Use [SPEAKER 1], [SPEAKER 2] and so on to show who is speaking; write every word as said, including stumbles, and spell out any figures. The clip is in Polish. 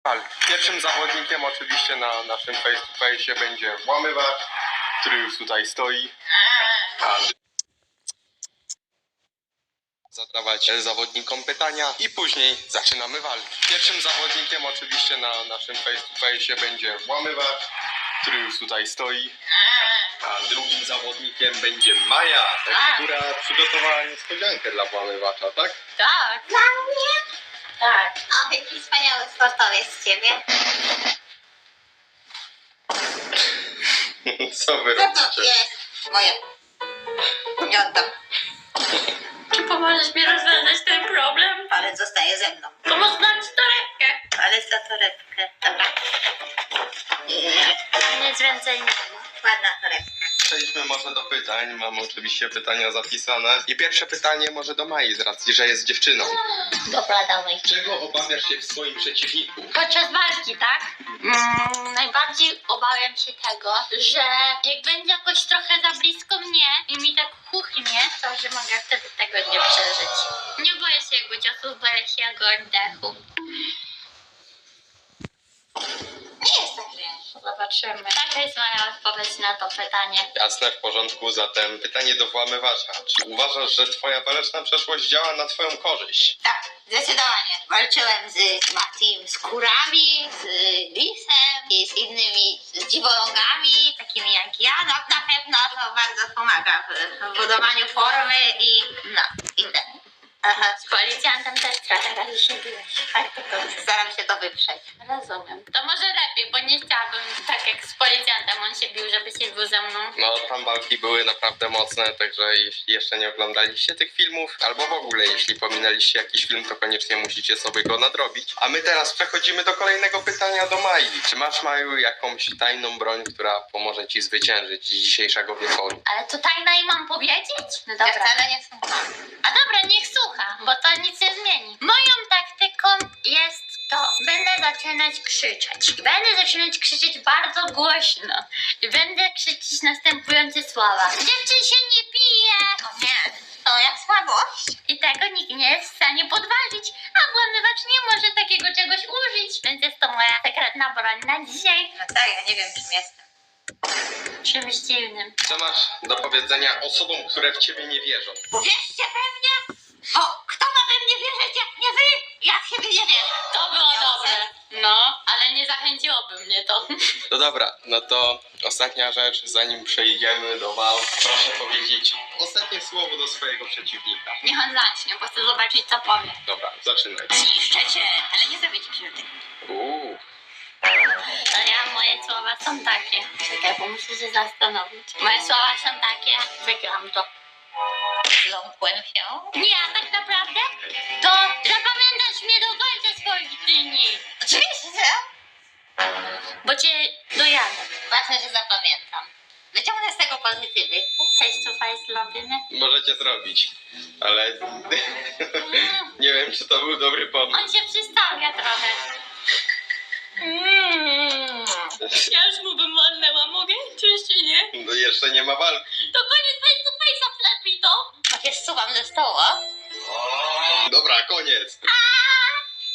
[SPEAKER 1] Pierwszym zawodnikiem oczywiście na naszym face to face będzie Włamywacz, który już tutaj stoi. Zadawać zawodnikom pytania i później zaczynamy walkę. Pierwszym zawodnikiem oczywiście na naszym face to face będzie Włamywacz, który już tutaj stoi. A drugim zawodnikiem będzie Maja, która przygotowała niespodziankę dla Włamywacza, tak?
[SPEAKER 2] Tak.
[SPEAKER 3] Dla mnie?
[SPEAKER 2] Tak.
[SPEAKER 3] O, jaki wspaniały sportowiec z ciebie.
[SPEAKER 1] Co wy
[SPEAKER 3] Co to
[SPEAKER 1] robicie?
[SPEAKER 3] jest? Moje. Nie oddam.
[SPEAKER 2] Czy pomożesz mi rozwiązać ten problem?
[SPEAKER 3] Palec zostaje ze mną.
[SPEAKER 2] To może dam ci torebkę.
[SPEAKER 3] Palec za torebkę. Dobra.
[SPEAKER 2] Nic więcej nie ma.
[SPEAKER 3] Ładna torebka.
[SPEAKER 1] Przejdźmy może do pytań. Mam oczywiście pytania zapisane. I pierwsze pytanie może do Mai, z racji, że jest dziewczyną.
[SPEAKER 2] Dobra, dawaj.
[SPEAKER 1] Czego obawiasz się w swoim przeciwniku?
[SPEAKER 2] Podczas walki, tak? Mm, najbardziej obawiam się tego, że jak będzie jakoś trochę za blisko mnie i mi tak chuchnie, to że mogę wtedy tego nie przeżyć. Nie boję się jego ciosów, boję się jego oddechu.
[SPEAKER 3] Nie jest tak źle.
[SPEAKER 2] Zobaczymy. Taka jest moja odpowiedź na to pytanie.
[SPEAKER 1] Jasne, w porządku. Zatem pytanie do Włamywacza. Czy uważasz, że twoja waleczna przeszłość działa na twoją korzyść?
[SPEAKER 3] Tak, zdecydowanie. Walczyłem z Matim, z kurami, z lisem i z innymi z dziwolągami, takimi jak ja. No, na pewno to bardzo pomaga w, w budowaniu formy i no, i ten. Aha.
[SPEAKER 2] Z policjantem też trochę razy się biłeś. Tak, to dobrze.
[SPEAKER 3] Staram się to wyprzeć.
[SPEAKER 2] Rozumiem. To może lepiej, bo nie chciałabym tak jak z policjantem on się bił, żeby się bił ze mną.
[SPEAKER 1] No, tam walki były naprawdę mocne, także jeśli jeszcze nie oglądaliście tych filmów, albo w ogóle jeśli pominęliście jakiś film, to koniecznie musicie sobie go nadrobić. A my teraz przechodzimy do kolejnego pytania do Mai. Czy masz, Maju, jakąś tajną broń, która pomoże ci zwyciężyć z dzisiejszego wieczoru?
[SPEAKER 2] Ale to tajna i mam powiedzieć? No
[SPEAKER 3] Ja
[SPEAKER 2] dobra.
[SPEAKER 3] wcale nie słucham.
[SPEAKER 2] A dobra, niech słucha, bo to nic nie zmieni. Moją taktyką jest to, będę zaczynać krzyczeć. Będę zaczynać krzyczeć bardzo głośno. I będę krzyczeć następujące słowa. Dziewczyn się nie bije!
[SPEAKER 3] O nie, to jak słabość.
[SPEAKER 2] I tego nikt nie jest w stanie podważyć, a Włamywacz nie może takiego czegoś użyć. Więc jest to moja sekretna broń na dzisiaj.
[SPEAKER 3] No tak, ja nie wiem czym jestem.
[SPEAKER 2] Czymś dziwnym.
[SPEAKER 1] Co masz do powiedzenia osobom, które w ciebie nie wierzą?
[SPEAKER 3] Uwierzcie we mnie, bo kto ma we mnie wierzyć jak nie wy? Ja w siebie nie wierzę.
[SPEAKER 2] To było dobre. No, ale nie zachęciłoby mnie to.
[SPEAKER 1] No dobra, no to ostatnia rzecz, zanim przejdziemy do walk, proszę powiedzieć ostatnie słowo do swojego przeciwnika.
[SPEAKER 2] Niech on zacznie, bo chcę zobaczyć, co powie.
[SPEAKER 1] Dobra, zaczynaj.
[SPEAKER 3] Zniszczę cię, ale nie zrobię ci krzywdy.
[SPEAKER 1] Uuu.
[SPEAKER 2] No ja, moje słowa są takie. Czekaj, bo muszę się zastanowić. Moje słowa są takie, wygram to.
[SPEAKER 3] Zląkłem się.
[SPEAKER 2] Nie, a tak naprawdę to zapamiętasz mnie do końca swoich dni.
[SPEAKER 3] Oczywiście,
[SPEAKER 2] Bo cię dojadę.
[SPEAKER 3] ważne, że zapamiętam. Wyciągnę z tego pozytywy.
[SPEAKER 2] Face to face robimy.
[SPEAKER 1] Możecie zrobić, ale nie wiem, czy to był dobry pomysł.
[SPEAKER 2] On się przystawia trochę. Mm. Ja już mu bym walnęła, mogę? Czy jeszcze nie?
[SPEAKER 1] No jeszcze nie ma walki.
[SPEAKER 2] To koniec face to face'a, wlepiej to.
[SPEAKER 3] Jak się zsuwam ze stołu.
[SPEAKER 1] Dobra, koniec.
[SPEAKER 2] A,